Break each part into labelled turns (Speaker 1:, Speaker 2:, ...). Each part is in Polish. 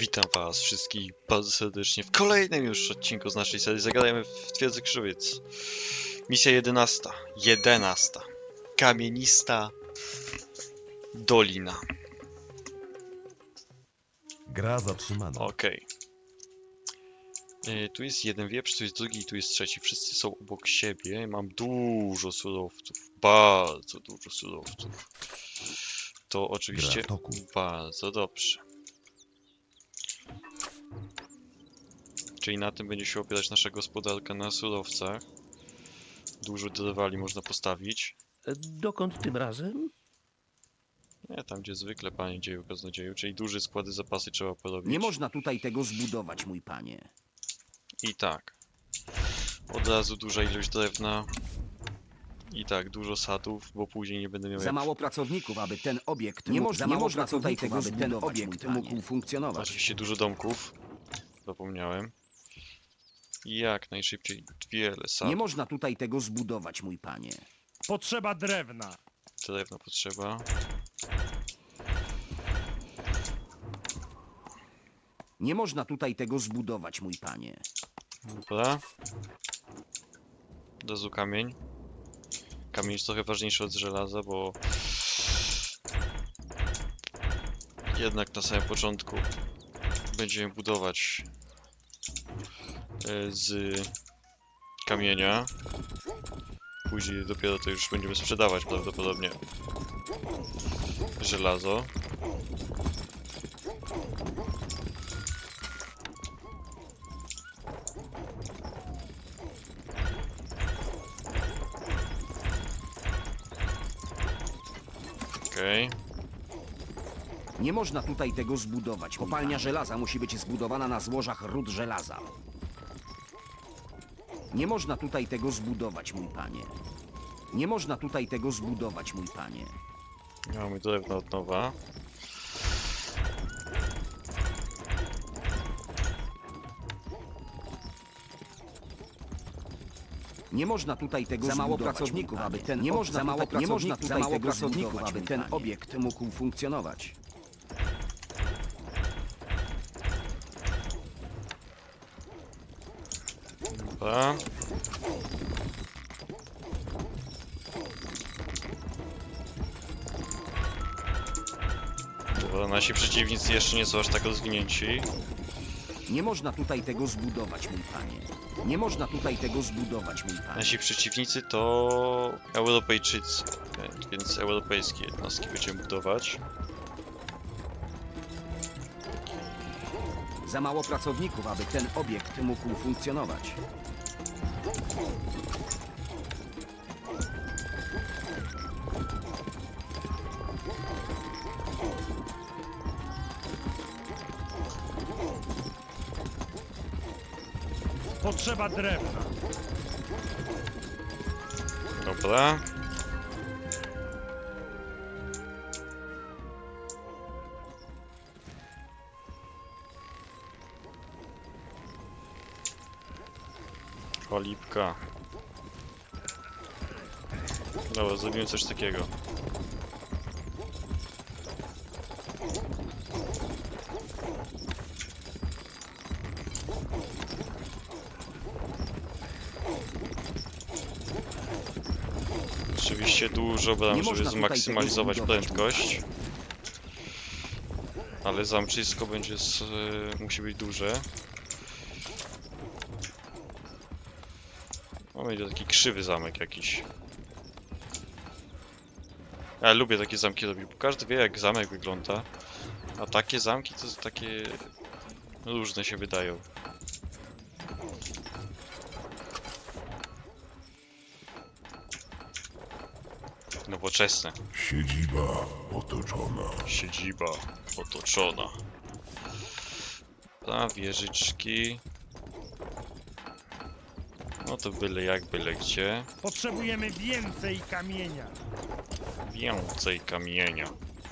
Speaker 1: Witam was wszystkich bardzo serdecznie w kolejnym już odcinku z naszej serii Zagadajmy w Twierdzy Krzywiec. Misja 11. 11. Kamienista Dolina.
Speaker 2: Gra zatrzymana.
Speaker 1: Okej. Tu jest jeden wieprz, tu jest drugi i tu jest trzeci. Wszyscy są obok siebie. Mam dużo surowców. Bardzo dużo surowców. To oczywiście
Speaker 2: Gra w toku.
Speaker 1: bardzo dobrze. Czyli na tym będzie się opierać nasza gospodarka, na surowcach. Dużo drwali można postawić.
Speaker 3: Dokąd tym razem?
Speaker 1: Nie, tam gdzie zwykle, panie dzieju kaznodzieju, czyli duże składy zapasy trzeba porobić.
Speaker 4: Nie można tutaj tego zbudować, mój panie.
Speaker 1: I tak. Od razu duża ilość drewna. I tak, dużo sadów, bo później nie będę miał
Speaker 4: Za
Speaker 1: jak...
Speaker 4: mało pracowników, aby ten obiekt nie można tutaj tego aby ten obiekt mógł funkcjonować.
Speaker 1: Oczywiście dużo domków. Zapomniałem. I jak najszybciej wiele
Speaker 4: Nie
Speaker 1: sadów.
Speaker 4: można tutaj tego zbudować, mój panie.
Speaker 5: Potrzeba drewna.
Speaker 1: Drewna potrzeba.
Speaker 4: Nie można tutaj tego zbudować, mój panie.
Speaker 1: Dobra. Od razu kamień. Kamień jest trochę ważniejszy od żelaza, bo... Jednak na samym początku będziemy budować z kamienia. Później dopiero to już będziemy sprzedawać prawdopodobnie żelazo. Okej.
Speaker 4: Nie można tutaj tego zbudować. Kopalnia żelaza musi być zbudowana na złożach ród żelaza. Nie można tutaj tego zbudować, mój panie. Nie można tutaj tego zbudować, mój panie.
Speaker 1: Mamy drewno od nowa.
Speaker 4: Nie można tutaj tego za mało pracowników, aby ten nie można tutaj tego zbudować, aby ten obiekt mógł funkcjonować.
Speaker 1: Dobra. Dobra, nasi przeciwnicy jeszcze nie są aż tak rozwinięci.
Speaker 4: Nie można tutaj tego zbudować, mój panie. Nie można tutaj tego zbudować, mój panie.
Speaker 1: Nasi przeciwnicy to Europejczycy, więc europejskie jednostki będziemy budować.
Speaker 4: Za mało pracowników, aby ten obiekt mógł funkcjonować.
Speaker 5: Potrzeba drewna.
Speaker 1: Dobra. Cholipka. Dobra, zrobimy coś takiego. Oczywiście dużo bram,
Speaker 4: Nie
Speaker 1: żeby
Speaker 4: można tutaj
Speaker 1: zmaksymalizować
Speaker 4: tego zbudować,
Speaker 1: prędkość. Ale zamczysko będzie musi być duże. O, będzie taki krzywy zamek jakiś. Ja lubię takie zamki robić, bo każdy wie jak zamek wygląda. A takie zamki to takie różne się wydają. Nowoczesne.
Speaker 2: Siedziba otoczona.
Speaker 1: Siedziba otoczona. Ta wieżyczki. No to byle jak, byle gdzie.
Speaker 5: Potrzebujemy więcej kamienia.
Speaker 1: Więcej kamienia.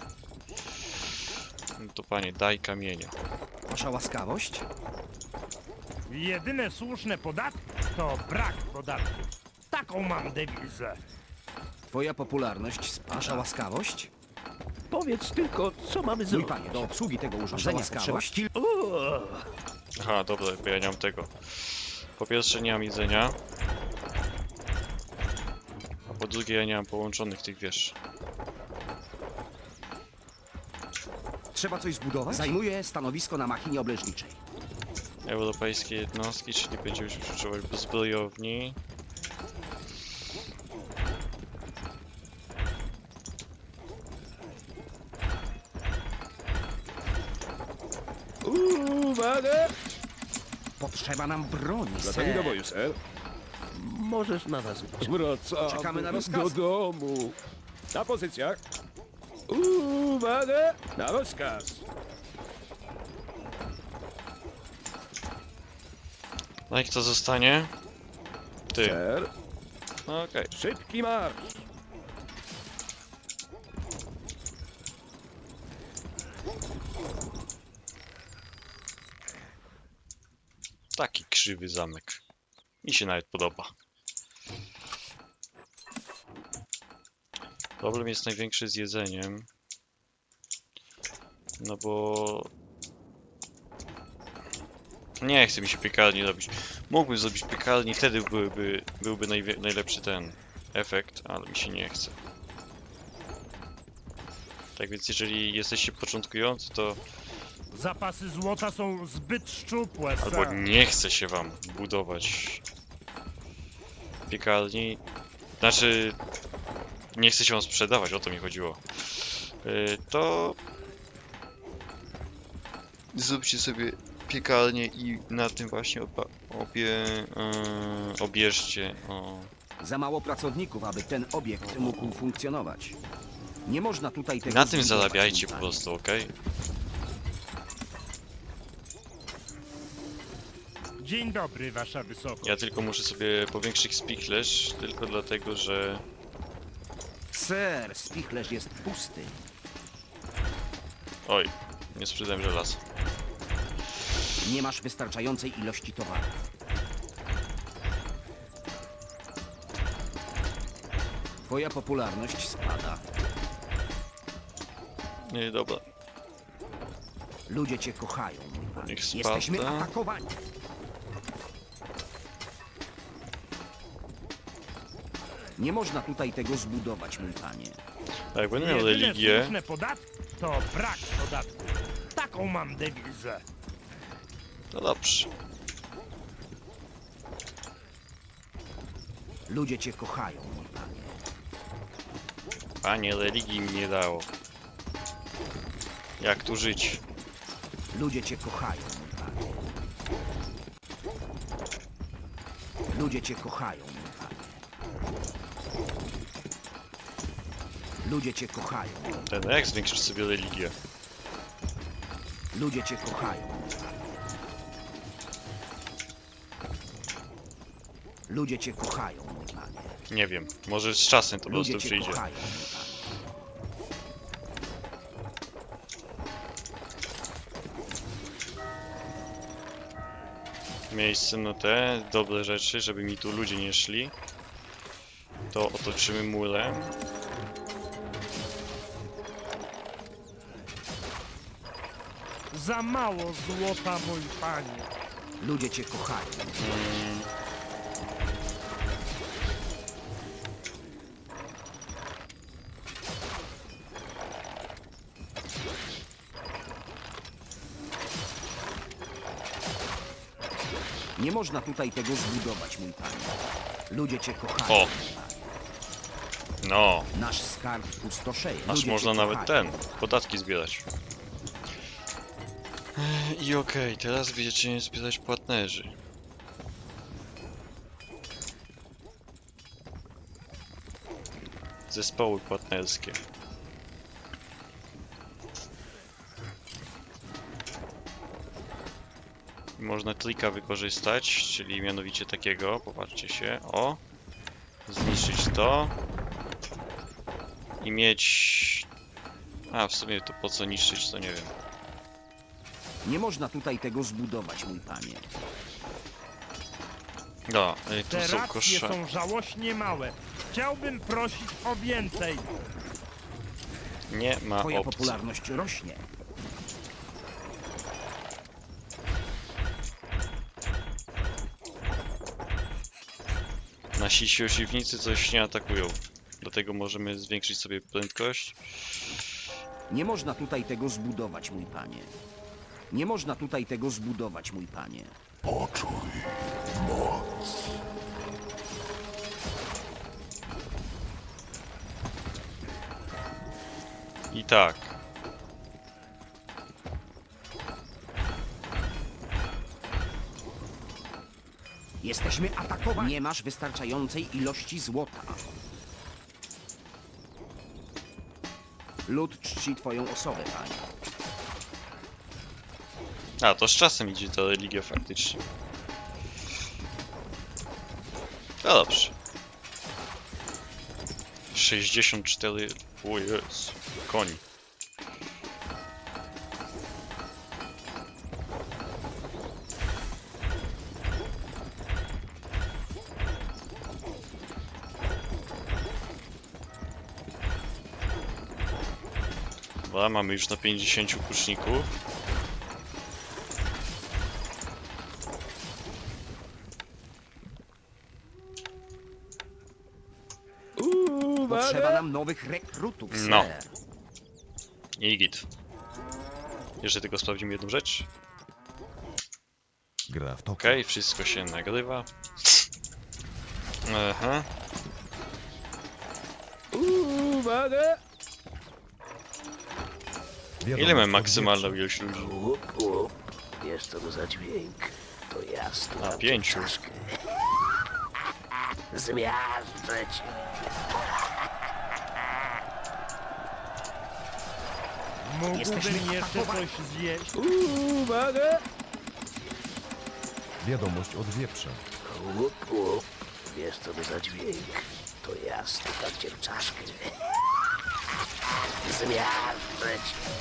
Speaker 1: No to panie, daj kamienia.
Speaker 4: Wasza łaskawość?
Speaker 5: Jedyne słuszne podatki to brak podatków. Taką mam dewizę.
Speaker 4: Twoja popularność spada. Wasza łaskawość?
Speaker 3: Powiedz tylko, co mamy
Speaker 4: Mój
Speaker 3: zrobić.
Speaker 4: panie, do obsługi tego urządzenia potrzeba
Speaker 3: O,
Speaker 1: Aha, dobra, bo ja nie mam tego. Po pierwsze nie mam jedzenia. A po drugie ja nie mam połączonych tych wież.
Speaker 4: Trzeba coś zbudować? Zajmuję stanowisko na machinie obleżniczej.
Speaker 1: Europejskie jednostki, czyli będziemy się używać zbrojowni.
Speaker 3: uwaga!
Speaker 4: Potrzeba nam broni,
Speaker 6: Gotowi do
Speaker 4: ser.
Speaker 6: boju, ser.
Speaker 3: Możesz na nas liczyć.
Speaker 6: Wracamy
Speaker 4: Czekamy na
Speaker 6: do
Speaker 4: rozkaz.
Speaker 6: domu. Na pozycjach. Uwaga! Na rozkaz.
Speaker 1: No i kto zostanie? Ty.
Speaker 6: Ser.
Speaker 1: No okej.
Speaker 6: Szybki marsz.
Speaker 1: Taki krzywy zamek. Mi się nawet podoba. Problem jest największy z jedzeniem. No bo... Nie chce mi się piekarni robić. Mógłbym zrobić piekarni, wtedy byłby najlepszy ten efekt, ale mi się nie chce. Tak więc jeżeli jesteście początkujący, to
Speaker 5: Zapasy złota są zbyt szczupłe,
Speaker 1: albo
Speaker 5: ser.
Speaker 1: nie chce się wam budować piekarni. Znaczy, nie chce się wam sprzedawać, o to mi chodziło. To zróbcie sobie piekarnię i na tym właśnie obierzcie. O.
Speaker 4: Za mało pracowników, aby ten obiekt mógł funkcjonować. Nie można tutaj tego
Speaker 1: Na tym
Speaker 4: zbudować,
Speaker 1: zarabiajcie
Speaker 4: mój
Speaker 1: po
Speaker 4: panie.
Speaker 1: prostu, ok?
Speaker 5: Dzień dobry, wasza wysokość.
Speaker 1: Ja tylko muszę sobie powiększyć spichlerz, tylko dlatego, że...
Speaker 4: Ser, spichlerz jest pusty.
Speaker 1: Oj, nie sprzedałem żelaza.
Speaker 4: Nie masz wystarczającej ilości towarów. Twoja popularność spada.
Speaker 1: Nie, dobra.
Speaker 4: Ludzie cię kochają, mój panie.
Speaker 1: Niech
Speaker 4: Jesteśmy
Speaker 1: spada.
Speaker 4: atakowani. Nie można tutaj tego zbudować, mój panie.
Speaker 1: A jak będę miał
Speaker 5: Jedyne
Speaker 1: religię...
Speaker 5: słuszne podatki to brak podatku. Taką mam dewizę.
Speaker 1: No dobrze.
Speaker 4: Ludzie cię kochają, mój panie.
Speaker 1: Panie, religii mi nie dało. Jak tu żyć?
Speaker 4: Ludzie cię kochają, mój panie. Ludzie cię kochają, mój panie. Ludzie cię kochają.
Speaker 1: Ten jak zwiększysz sobie religię?
Speaker 4: Ludzie cię kochają, mój panie. Ludzie cię kochają, mój panie.
Speaker 1: Nie wiem. Może z czasem to po
Speaker 4: Ludzie
Speaker 1: prostu
Speaker 4: cię
Speaker 1: przyjdzie.
Speaker 4: kochają, mój panie.
Speaker 1: Miejsce na te dobre rzeczy, żeby mi tu ludzie nie szli. To otoczymy murem.
Speaker 5: Za mało złota, mój panie.
Speaker 4: Ludzie cię kochają. Nie można tutaj tego zbudować, mój panie. Ludzie cię kochają.
Speaker 1: O.
Speaker 4: mój panie.
Speaker 1: No,
Speaker 4: Nasz skarb pustoszeje.
Speaker 1: aż
Speaker 4: Ludzie
Speaker 1: można
Speaker 4: cię
Speaker 1: nawet
Speaker 4: kochają.
Speaker 1: podatki zbierać. I okej, teraz będziecie zbierać płatnerzy. Zespoły płatnerskie. Można trika wykorzystać, czyli mianowicie takiego, popatrzcie się, o, zniszczyć to i mieć, a w sumie to po co niszczyć, to nie wiem.
Speaker 4: Nie można tutaj tego zbudować, mój panie.
Speaker 1: No, tu
Speaker 5: Te
Speaker 1: są
Speaker 5: racje
Speaker 1: kosze.
Speaker 5: są żałośnie małe. Chciałbym prosić o więcej.
Speaker 1: Nie ma
Speaker 4: Twoja
Speaker 1: opcji.
Speaker 4: popularność rośnie.
Speaker 1: Nasi siłownicy coś nie atakują. Dlatego możemy zwiększyć sobie prędkość.
Speaker 4: Nie można tutaj tego zbudować, mój panie. Nie można tutaj tego zbudować, mój panie.
Speaker 2: Poczuj moc.
Speaker 1: I tak.
Speaker 4: Jesteśmy atakowani. Nie masz wystarczającej ilości złota. Lud czci twoją osobę, panie.
Speaker 1: A, to z czasem idzie ta religia faktycznie. No dobrze. 64... O Jezu, koni. Dobra, mamy już na 50 kuczników.
Speaker 4: Potrzeba
Speaker 3: Uwaga!
Speaker 4: nam nowych rekrutów, sir.
Speaker 1: No. I git. Jeszcze tylko sprawdzimy jedną rzecz.
Speaker 2: Gra w to.
Speaker 1: Okej, wszystko się nagrywa. Aha.
Speaker 3: Uwaga!
Speaker 2: Wiadomość
Speaker 1: Ile mamy
Speaker 2: od
Speaker 1: maksymalną
Speaker 2: wieprza.
Speaker 1: ilość ludzi?
Speaker 3: Łup, łup. Wiesz co to za dźwięk? To jasno.
Speaker 1: A, 5.
Speaker 3: Zmiażdżę cię.
Speaker 4: Jesteśmy
Speaker 5: Mógłbym jeszcze
Speaker 4: atakowani.
Speaker 5: coś zjeść?
Speaker 3: Uwaga!
Speaker 2: Wiadomość od wieprza.
Speaker 3: Łup, łup. Wiesz co to za dźwięk? To jasno, tak cię w czaszkę. Zmiażdżę cię.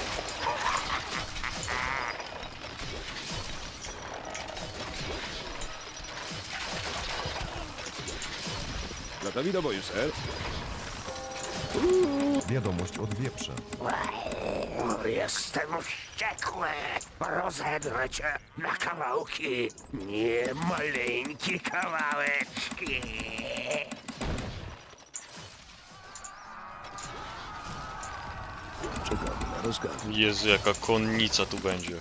Speaker 3: Gotowi do boju, ser?
Speaker 2: Wiadomość od wieprza.
Speaker 3: Jestem wściekły! Rozedrę cię na kawałki! Nie maleńkie kawałeczki! Czekam na rozkaz.
Speaker 1: Jezu, jaka konnica tu będzie.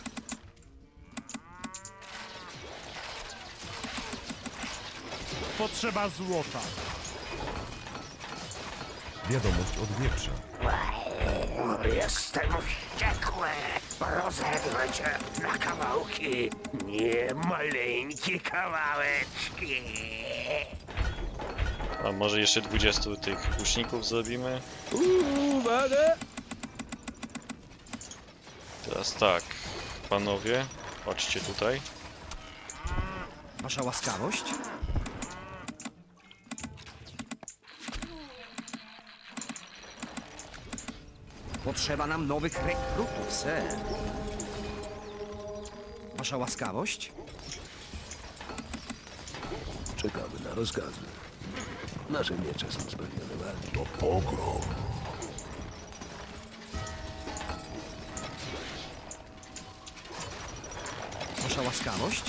Speaker 5: Potrzeba złota.
Speaker 2: Wiadomość od wieprza.
Speaker 3: Jestem wściekły! Rozedrę cię na kawałki! Nie maleńkie kawałeczki!
Speaker 1: A może jeszcze 20 tych łuczników zrobimy?
Speaker 3: Uwaga!
Speaker 1: Teraz tak, panowie, chodźcie tutaj.
Speaker 4: Wasza łaskawość? Potrzeba nam nowych rekrutów, sir. Wasza łaskawość?
Speaker 3: Czekamy na rozkazy. Nasze miecze są spełnione walki.
Speaker 2: To pogrom.
Speaker 4: Wasza łaskawość?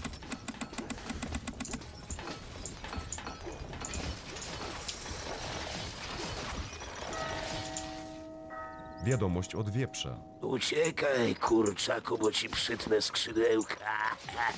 Speaker 2: Wiadomość od wieprza.
Speaker 3: Uciekaj, kurczaku, bo ci przytnę skrzydełka.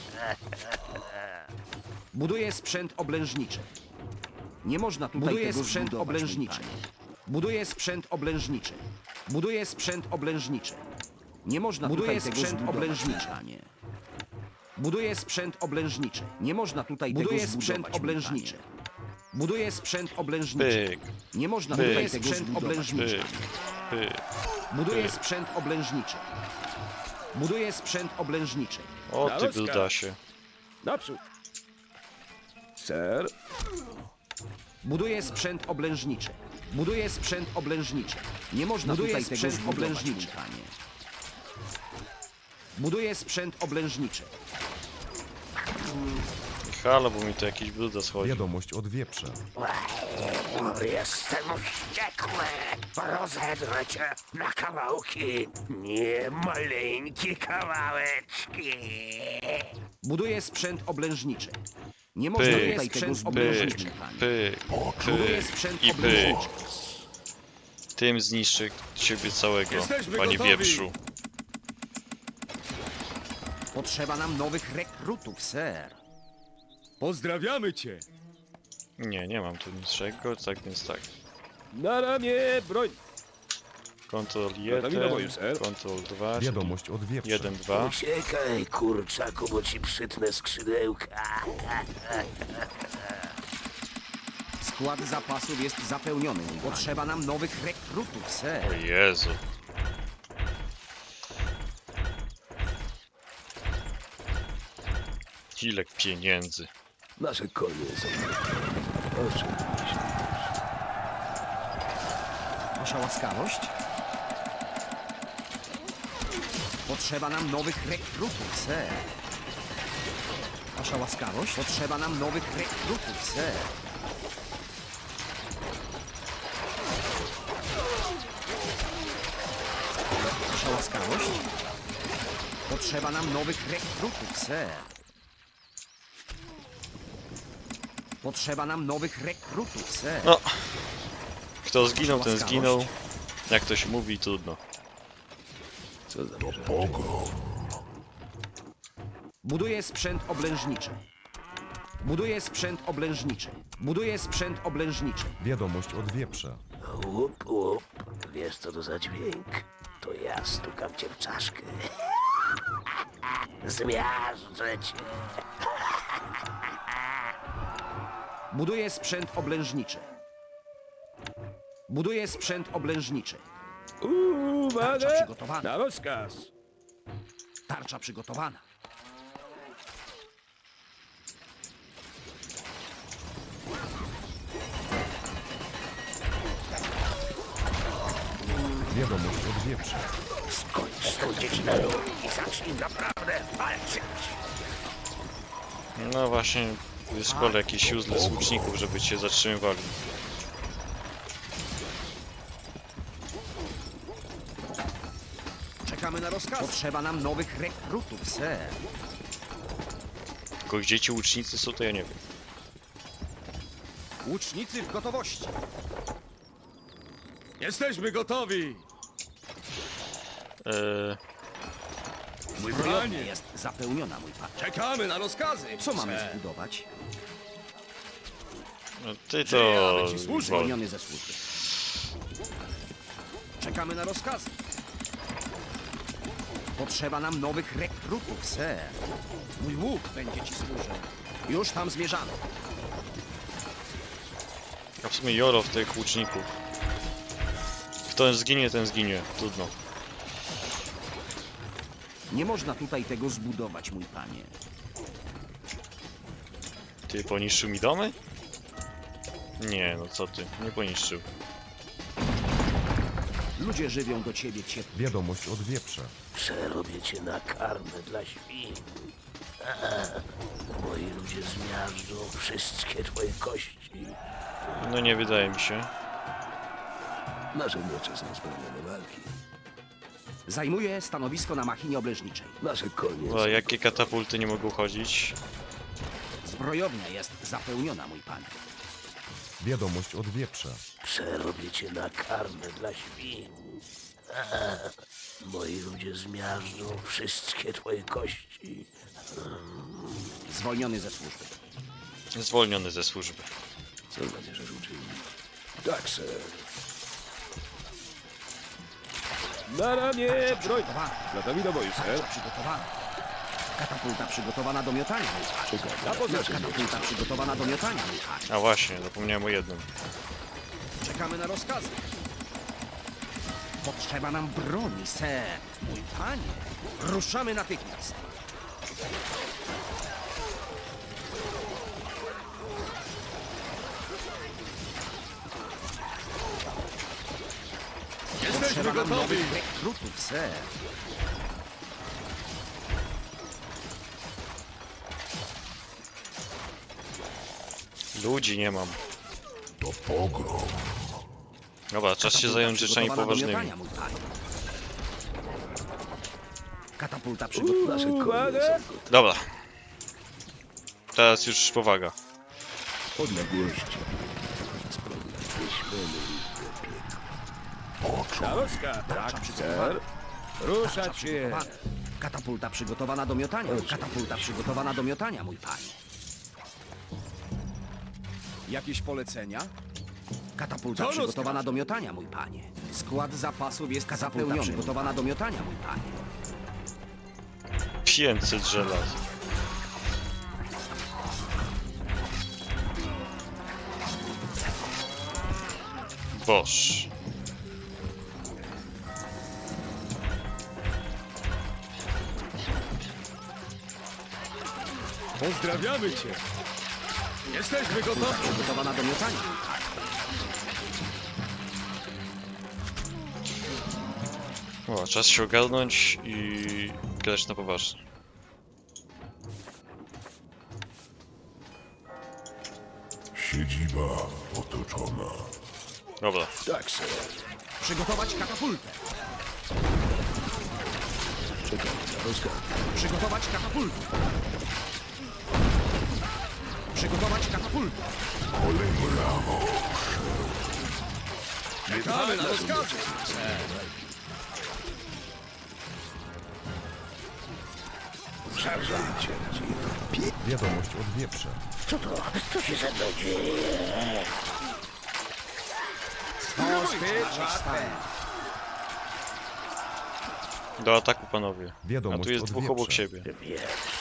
Speaker 4: Buduję sprzęt oblężniczy. Nie można tutaj
Speaker 7: Buduję
Speaker 4: tego
Speaker 7: sprzęt
Speaker 4: zbudować, mój
Speaker 7: oblężniczy.
Speaker 4: panie. Buduję sprzęt oblężniczy. Buduję sprzęt oblężniczy. Nie można
Speaker 7: Buduję
Speaker 4: tutaj tego
Speaker 7: sprzęt
Speaker 4: zbudować,
Speaker 7: oblężniczy.
Speaker 4: mój panie. Buduję sprzęt oblężniczy. Nie można tutaj
Speaker 7: Buduję
Speaker 4: tego
Speaker 7: sprzęt
Speaker 4: zbudować, mój
Speaker 7: oblężniczy.
Speaker 4: panie. Buduję sprzęt oblężniczy.
Speaker 1: Pyk,
Speaker 4: Nie można
Speaker 1: Pyk.
Speaker 4: tutaj
Speaker 1: Buduję
Speaker 4: tego
Speaker 7: sprzęt
Speaker 4: zbudować, mój
Speaker 7: oblężniczy.
Speaker 1: pyk,
Speaker 4: panie.
Speaker 1: pyk.
Speaker 4: Buduję sprzęt oblężniczy. Buduję sprzęt oblężniczy.
Speaker 1: O
Speaker 3: Na
Speaker 1: ty
Speaker 3: rozkaz.
Speaker 1: brudasie.
Speaker 3: Naprzód! Ser?
Speaker 4: Buduję sprzęt oblężniczy. Buduję sprzęt oblężniczy. Nie można
Speaker 7: Buduję
Speaker 4: tutaj tego
Speaker 7: sprzęt
Speaker 4: zbudować,
Speaker 7: oblężniczy.
Speaker 4: mój panie. Buduję sprzęt oblężniczy.
Speaker 1: Halo, bo mi tu jakiś bruda schodzi.
Speaker 2: Wiadomość od wieprza.
Speaker 3: Jestem wściekły. Rozedrę cię na kawałki. Nie maleńkie kawałeczki.
Speaker 4: Buduję sprzęt oblężniczy. Nie można
Speaker 1: Pyk,
Speaker 4: tutaj tego
Speaker 1: pyk,
Speaker 4: zbężnić, mój panie.
Speaker 1: pyk,
Speaker 4: Buduję
Speaker 1: pyk
Speaker 4: sprzęt
Speaker 1: i pyk.
Speaker 4: oblężniczy.
Speaker 1: Tym zniszczę ciebie całego,
Speaker 6: Jesteśmy
Speaker 1: panie
Speaker 6: gotowi.
Speaker 1: wieprzu.
Speaker 4: Potrzeba nam nowych rekrutów, ser.
Speaker 6: Pozdrawiamy cię.
Speaker 1: Nie mam tu niczego, tak więc tak.
Speaker 6: Na ramię broń.
Speaker 1: Ctrl
Speaker 6: Gotowi do boju,
Speaker 1: 1,
Speaker 6: ser.
Speaker 1: Ctrl 2,
Speaker 2: Wiadomość od wieprza.
Speaker 1: 1, 2.
Speaker 3: Uciekaj, kurczaku, bo ci przytnę skrzydełka.
Speaker 4: Skład zapasów jest zapełniony. Mój panie. Potrzeba nam nowych rekrutów,
Speaker 1: O
Speaker 4: ser.
Speaker 1: Jezu. Ile pieniędzy.
Speaker 3: Nasze konie są. Oczywiście.
Speaker 4: Wasza łaskawość? Potrzeba nam nowych rekrutów, ser. Wasza łaskawość? Potrzeba nam nowych rekrutów, ser. Wasza łaskawość? Potrzeba nam nowych rekrutów, ser. Potrzeba nam nowych rekrutów, ser.
Speaker 1: No. Kto zginął, ten
Speaker 4: Łaskawość.
Speaker 1: zginął. Jak to się mówi, trudno.
Speaker 3: Co zamierzasz?
Speaker 4: Buduję sprzęt oblężniczy. Buduję sprzęt oblężniczy. Buduję sprzęt oblężniczy.
Speaker 2: Wiadomość od wieprza.
Speaker 3: Łup, łup. Wiesz co to za dźwięk? To ja stukam cię w czaszkę. Zmiażdżę cię.
Speaker 4: Buduję sprzęt oblężniczy. Buduję sprzęt oblężniczy. Tarcza
Speaker 6: Uwaga.
Speaker 4: przygotowana.
Speaker 6: Na rozkaz.
Speaker 4: Tarcza przygotowana.
Speaker 2: Wiadomość od wieprza.
Speaker 3: Skończ z tą dzieciną i zacznij naprawdę walczyć.
Speaker 1: No właśnie, wyszkolę jakiś useless łuczników, żeby cię zatrzymywali.
Speaker 4: Czekamy na rozkaz. Potrzeba nam nowych rekrutów, ser.
Speaker 1: Tylko gdzie ci łucznicy są, to ja nie wiem.
Speaker 4: Łucznicy w gotowości.
Speaker 6: Jesteśmy gotowi.
Speaker 4: Zbrojownia
Speaker 6: Panie.
Speaker 4: jest zapełniona, mój pan.
Speaker 6: Czekamy na rozkazy.
Speaker 4: Co mamy
Speaker 6: ser.
Speaker 4: zbudować?
Speaker 1: No ty to...
Speaker 6: Przyjadę ci służyć.
Speaker 1: Wol-
Speaker 4: Zwolniony ze służby. Czekamy na rozkazy. Potrzeba nam nowych rekrutów, ser. Mój łuk będzie ci służył. Już tam zmierzamy.
Speaker 1: A w sumie joro w tych łuczników. Kto zginie, ten zginie. Trudno.
Speaker 4: Nie można tutaj tego zbudować, mój panie.
Speaker 1: Ty poniszczył mi domy? Nie, no co ty, nie poniszczył.
Speaker 4: Ludzie żywią do ciebie ciepło.
Speaker 2: Wiadomość od wieprza.
Speaker 3: Przerobię cię na karmę dla świn. Moi ludzie zmiażdżą wszystkie twoje kości.
Speaker 1: No nie wydaje mi się.
Speaker 3: Nasze miecze są spełnione walki.
Speaker 4: Zajmuję stanowisko na machinie oblężniczej.
Speaker 3: Nasze konie
Speaker 1: O, jakie katapulty nie mogą chodzić?
Speaker 4: Zbrojownia jest zapełniona, mój panie.
Speaker 2: Wiadomość od wieprza.
Speaker 3: Przerobię cię na karmę dla świn. Moi ludzie zmiażdżą wszystkie twoje kości.
Speaker 4: Zwolniony ze służby.
Speaker 1: Zwolniony ze służby.
Speaker 3: Co zamierzasz uczynić? Tak, sir.
Speaker 6: Na ramię broń.
Speaker 4: Przygotowana.
Speaker 6: Gotowi do boju, ser.
Speaker 4: Tarcza przygotowana. Katapulta przygotowana do miotania, mój panie.
Speaker 6: Na pozycję.
Speaker 4: Katapulta przygotowana do miotania, mój panie.
Speaker 1: A właśnie, zapomniałem o jednym.
Speaker 4: Czekamy na rozkazy. Potrzeba nam broni, ser. Mój panie. Ruszamy natychmiast.
Speaker 6: Jesteśmy
Speaker 4: Potrzeba nam
Speaker 6: gotowi.
Speaker 4: nowych rekrutów, ser.
Speaker 1: Ludzi nie mam.
Speaker 2: To pogrom.
Speaker 1: Dobra, czas się zająć rzeczami
Speaker 4: Przygotowana do
Speaker 1: poważnymi.
Speaker 4: miotania, mój panie. Katapulta przygotowana.
Speaker 3: Nasze konie
Speaker 6: Uwaga!
Speaker 3: są gotowe.
Speaker 1: Dobra. Teraz już powaga.
Speaker 3: Odległości. Wyślemy ich
Speaker 6: Na rozkaz. Tak, ser. Ruszać się.
Speaker 4: Przygotowana. Katapulta przygotowana do miotania. Katapulta przygotowana do miotania, mój panie.
Speaker 6: Jakieś polecenia?
Speaker 4: Katapulta
Speaker 6: Co
Speaker 4: przygotowana do miotania, mój panie. Skład zapasów jest zapełniony. Przygotowana do miotania, mój panie.
Speaker 1: 500 żelaz. Boż.
Speaker 6: Pozdrawiamy cię. Jesteśmy gotowi.
Speaker 4: Przygotowana do miotania.
Speaker 1: O, czas się ogarnąć i grać na poważnie.
Speaker 2: Siedziba otoczona.
Speaker 1: Dobra.
Speaker 3: tak, ser.
Speaker 4: Przygotować katapultę.
Speaker 3: Czekam na rozkaz.
Speaker 4: Przygotować katapultę. Przygotować katapultę.
Speaker 6: Czekamy na rozkazy.
Speaker 3: Zajdzie.
Speaker 2: Wiadomość od wieprza.
Speaker 3: Co to? Co się ze mną dzieje?
Speaker 1: Do ataku, panowie. A
Speaker 2: Wiadomość
Speaker 1: tu jest
Speaker 2: od
Speaker 1: dwóch
Speaker 2: wieprza.
Speaker 1: obok siebie.
Speaker 3: Wiesz,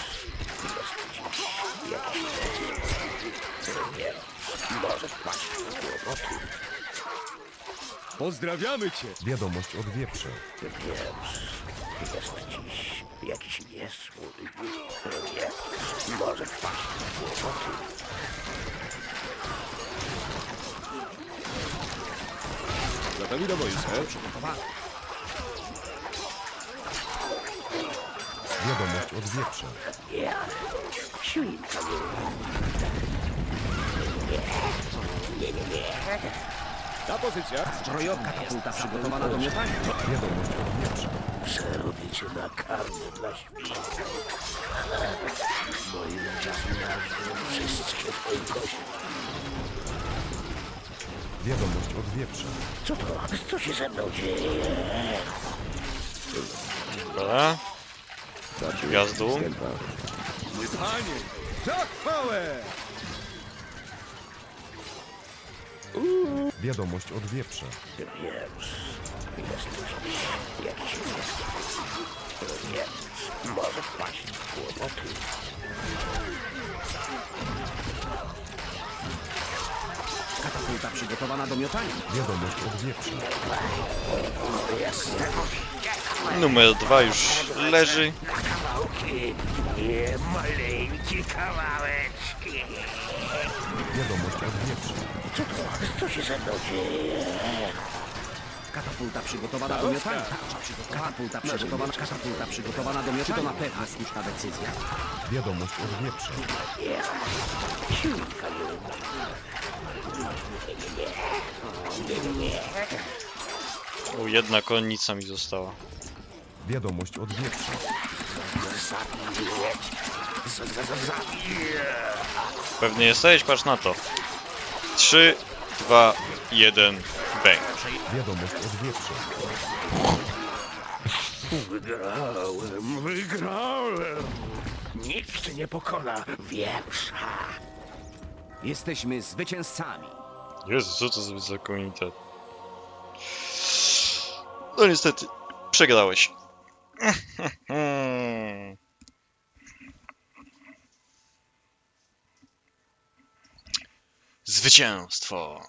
Speaker 3: może wpaść w kłopoty.
Speaker 6: Pozdrawiamy cię.
Speaker 2: Wiadomość od wieprza.
Speaker 3: Wiesz, jest dziś jakiś niesłój. Wiesz, może wpaść w kłopoty.
Speaker 6: Gotowi do boju, ser.
Speaker 4: Przygotowana.
Speaker 2: Wiadomość od wieprza.
Speaker 3: Ja, świnka
Speaker 6: Na pozycjach.
Speaker 4: Zbrojowa katapulta przygotowana do miotania.
Speaker 2: Wiadomość od wieprza.
Speaker 3: przerobię cię na karmę dla świn. Moim ludzie zmiażdżą wszystkie twoje kości.
Speaker 2: Wiadomość od wieprza.
Speaker 3: Co to? Co się ze mną dzieje?
Speaker 1: Dobra. Gwiazdu.
Speaker 6: Mój panie. Za chwałę.
Speaker 2: Wiadomość od wieprza.
Speaker 3: Wiesz, jest dziś jakiś niesłój. Wiesz, może wpaść w kłopoty.
Speaker 4: Katapulta przygotowana do miotania.
Speaker 2: Wiadomość od wieprza.
Speaker 1: Numer 2 już leży.
Speaker 3: Kawałki, nie maleńkie kawałeczki.
Speaker 2: Wiadomość od wieprza.
Speaker 3: Co to? Co się ze mną dzieje?
Speaker 4: Katapulta przygotowana do miotania. Katapulta przygotowana do miotania. Czy to na pewno słuszna decyzja?
Speaker 2: Wiadomość od wieprza.
Speaker 3: Świnka
Speaker 1: O, jedna konnica mi została.
Speaker 2: Wiadomość od wieprza.
Speaker 1: Pewnie jesteś? Patrz na to. 3, 2, 1, bang.
Speaker 2: Wiadomość od wieprza.
Speaker 3: Wygrałem! Nikt nie pokona wieprza.
Speaker 4: Jesteśmy zwycięzcami.
Speaker 1: Jezu, co to za komunitet? No niestety, przegrałeś. Zwycięstwo.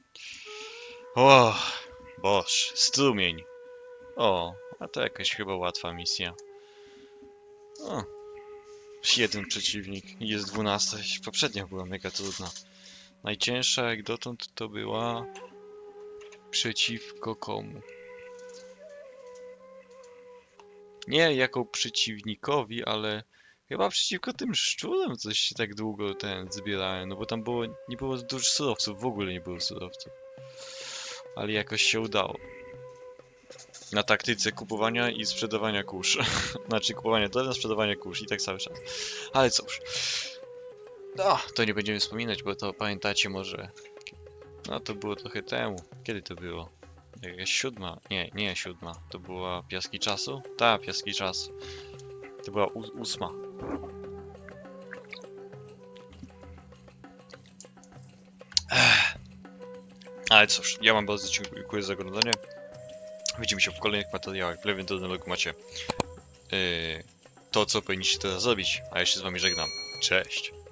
Speaker 1: O, boż, strumień. O, a to jakaś chyba łatwa misja. O, jeden przeciwnik i jest 12. Poprzednia była mega trudna. Najcięższa jak dotąd to była przeciwko komu? Nie jako przeciwnikowi, ale Chyba przeciwko tym szczurom coś się tak długo zbierałem, no bo tam nie było dużo surowców, w ogóle nie było surowców. Ale jakoś się udało. Na taktyce kupowania i sprzedawania kurz. Znaczy kupowania drewna, sprzedawania kurz i tak cały czas. Ale cóż. No, to nie będziemy wspominać, bo to pamiętacie może... No to było trochę temu. Kiedy to było? Jakaś 7? Nie 7. To była Piaski Czasu? Tak, Piaski Czasu. To była 8. Ale cóż, ja wam bardzo dziękuję za oglądanie. Widzimy się w kolejnych materiałach. W lewym dolnym rogu macie to, co powinniście teraz zrobić. A ja się z wami żegnam. Cześć!